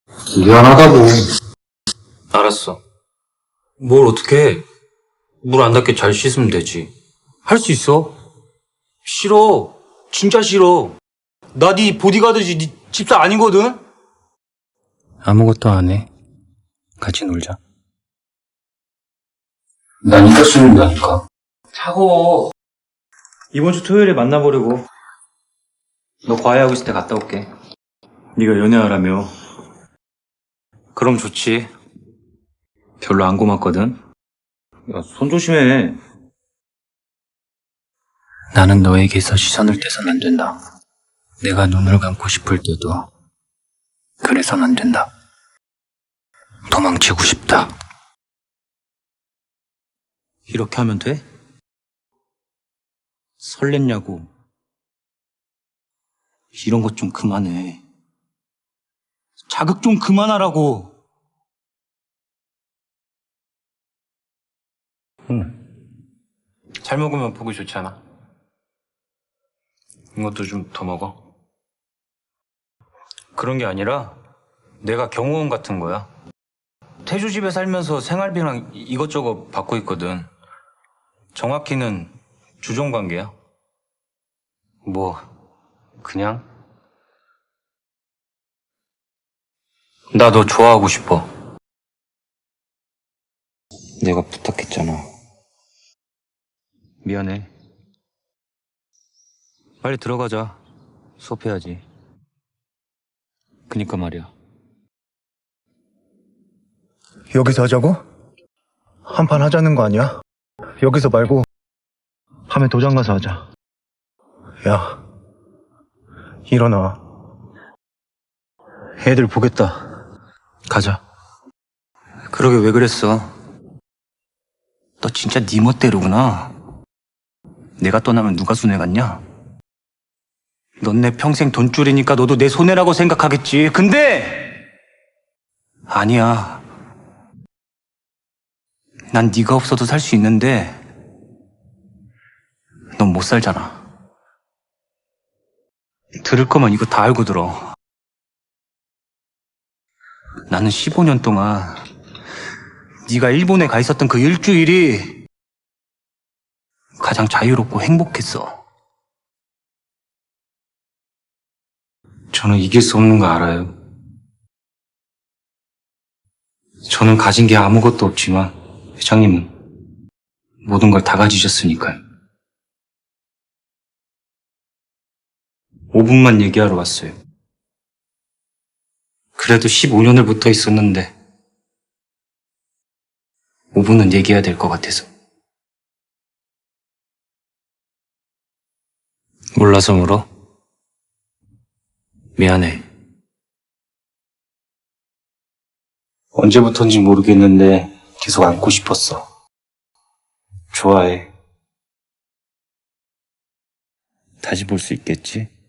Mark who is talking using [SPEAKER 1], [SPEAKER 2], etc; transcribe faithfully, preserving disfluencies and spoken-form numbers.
[SPEAKER 1] 미안하다고.
[SPEAKER 2] 알았어. 뭘 어떻게 해? 물 안 닿게 잘 씻으면 되지. 할 수 있어. 싫어. 진짜 싫어. 나 네 보디가드지 네 집사 아니거든? 아무것도 안 해. 같이 놀자.
[SPEAKER 1] 난 이따 쓰는다니까.
[SPEAKER 2] 차고. 이번 주 토요일에 만나보려고. 너 과외하고 있을 때 갔다 올게. 네가 연애하라며. 그럼 좋지. 별로 안 고맙거든. 야, 손 조심해. 나는 너에게서 시선을 떼선 안 된다. 내가 눈을 감고 싶을 때도 그래선 안 된다. 도망치고 싶다. 이렇게 하면 돼? 설렜냐고. 이런 것 좀 그만해. 자극 좀 그만하라고. 응. 잘 먹으면 보기 좋지 않아? 이것도 좀 더 먹어. 그런 게 아니라 내가 경호원 같은 거야. 태주 집에 살면서 생활비랑 이것저것 받고 있거든. 정확히는 주종관계야. 뭐 그냥 나 너 좋아하고 싶어. 내가 부탁했잖아. 미안해. 빨리 들어가자. 수업해야지. 그니까 말이야.
[SPEAKER 3] 여기서 하자고? 한판 하자는 거 아니야? 여기서 말고 밤에 도장 가서 하자. 야, 일어나. 애들 보겠다.
[SPEAKER 2] 가자. 그러게 왜 그랬어? 너 진짜 네 멋대로구나. 내가 떠나면 누가 손해 갔냐? 넌 내 평생 돈줄이니까 너도 내 손해라고 생각하겠지. 근데 아니야. 난 네가 없어도 살 수 있는데 넌 못 살잖아. 들을 거면 이거 다 알고 들어. 나는 십오 년 동안 네가 일본에 가 있었던 그 일주일이 가장 자유롭고 행복했어. 저는 이길 수 없는 거 알아요. 저는 가진 게 아무것도 없지만 회장님은 모든 걸 다 가지셨으니까요. 오 분만 얘기하러 왔어요. 그래도 십오 년을 붙어 있었는데 오 분은 얘기해야 될 것 같아서. 몰라서 물어? 미안해. 언제부턴지 모르겠는데 계속 안고 싶었어. 좋아해. 다시 볼 수 있겠지?